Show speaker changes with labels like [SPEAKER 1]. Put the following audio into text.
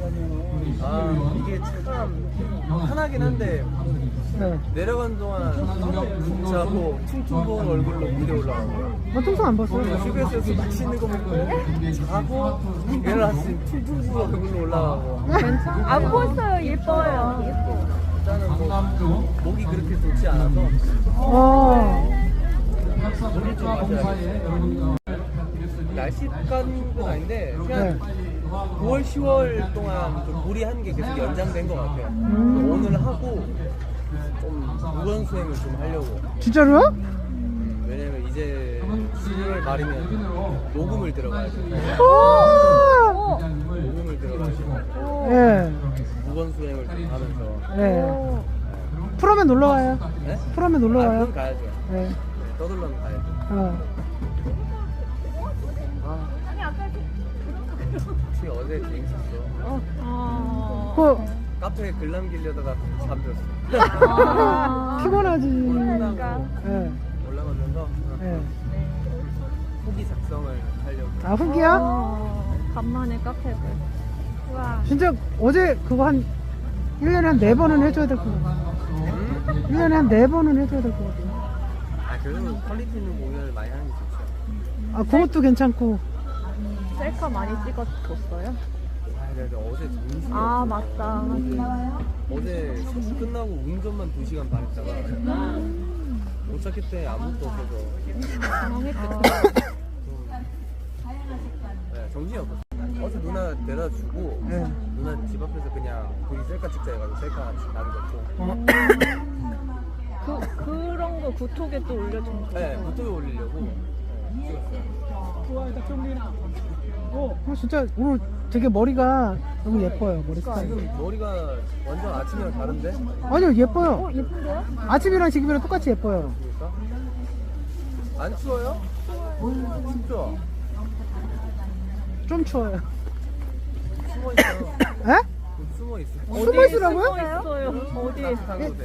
[SPEAKER 1] 아, 이게 참 편하긴 한데
[SPEAKER 2] 네.
[SPEAKER 1] 내려가는 동안 진짜 뭐 퉁퉁부은 얼굴로 무대 올라가는 거야.
[SPEAKER 2] 나 통성 안 봤어요.
[SPEAKER 1] 휴게소에서 맛있는 거 먹고 자고 일어났으면 퉁퉁부은 얼굴로 올라가고.
[SPEAKER 3] 괜찮아? 안 보였어요. 예뻐요.
[SPEAKER 1] 일단은 뭐 목이 그렇게 좋지 않아서 물을 좀 마셔야 날씨간 건 아닌데 그냥 9월, 10월 동안 좀 무리한 게 계속 연장된 것 같아요. 오늘 하고 좀 무건 수행을 좀 하려고.
[SPEAKER 2] 진짜로요?
[SPEAKER 1] 왜냐면 이제 11월 말이면 녹음을 들어가야 돼. 녹음을 들어가지고
[SPEAKER 2] 예.
[SPEAKER 1] 무건 수행을 좀 하면서.
[SPEAKER 2] 예. 프로면 놀러 와요.
[SPEAKER 1] 네?
[SPEAKER 2] 프로면 놀러
[SPEAKER 1] 아,
[SPEAKER 2] 와요.
[SPEAKER 1] 그럼 가야죠.
[SPEAKER 2] 예.
[SPEAKER 1] 떠들러는 가야죠. 혹시 어제 재밌었어.
[SPEAKER 2] 그
[SPEAKER 1] 카페에 글 남기려다가 잠들었어.
[SPEAKER 2] 피곤하지. 예.
[SPEAKER 1] 올라가면서
[SPEAKER 2] 예.
[SPEAKER 1] 후기 작성을 하려고.
[SPEAKER 2] 아 후기야?
[SPEAKER 3] 간만에 카페들. 우와.
[SPEAKER 2] 진짜 어제 그거 한 1년에 한 4번은 해줘야 될 것 같아. 1년에 한 4번은 해줘야 될 것 같아.
[SPEAKER 1] 아, 그래도 퀄리티 있는 공연을 많이 하는 게 좋죠.
[SPEAKER 2] 아 그것도 괜찮고.
[SPEAKER 3] 셀카 많이 찍어줬어요?
[SPEAKER 1] 아, 내가 어제 정신이
[SPEAKER 3] 아,
[SPEAKER 1] 없어.
[SPEAKER 3] 맞다.
[SPEAKER 1] 어제 수업 끝나고 운전만 2시간 반 했다가 도착할 때 아무것도 없어서
[SPEAKER 3] 당황했겠다.
[SPEAKER 1] 네, 정신이 없었어. 어제 누나 데려다 주고
[SPEAKER 2] 예.
[SPEAKER 1] 누나 집 앞에서 그냥 거기 셀카 찍자 해가지고 셀카 남겼고.
[SPEAKER 3] 그런 거 구톡에 또 올려준 거.
[SPEAKER 1] 네, 유튜브에 올리려고 찍었어요.
[SPEAKER 2] 진짜 오늘 되게 머리가 너무 예뻐요. 머리 스타일.
[SPEAKER 1] 지금 머리가 완전 아침이랑 다른데?
[SPEAKER 2] 아니요 예뻐요.
[SPEAKER 3] 예쁜데요?
[SPEAKER 2] 아침이랑 지금이랑 똑같이 예뻐요.
[SPEAKER 1] 그러니까? 안 추워요? 춥죠?
[SPEAKER 2] 좀 추워요.
[SPEAKER 1] 숨어 있어요.
[SPEAKER 2] 에?
[SPEAKER 1] 숨어 있어.
[SPEAKER 2] 숨어 있으라고요?
[SPEAKER 3] 있어요. 어디에?
[SPEAKER 1] 따뜻한 곳에.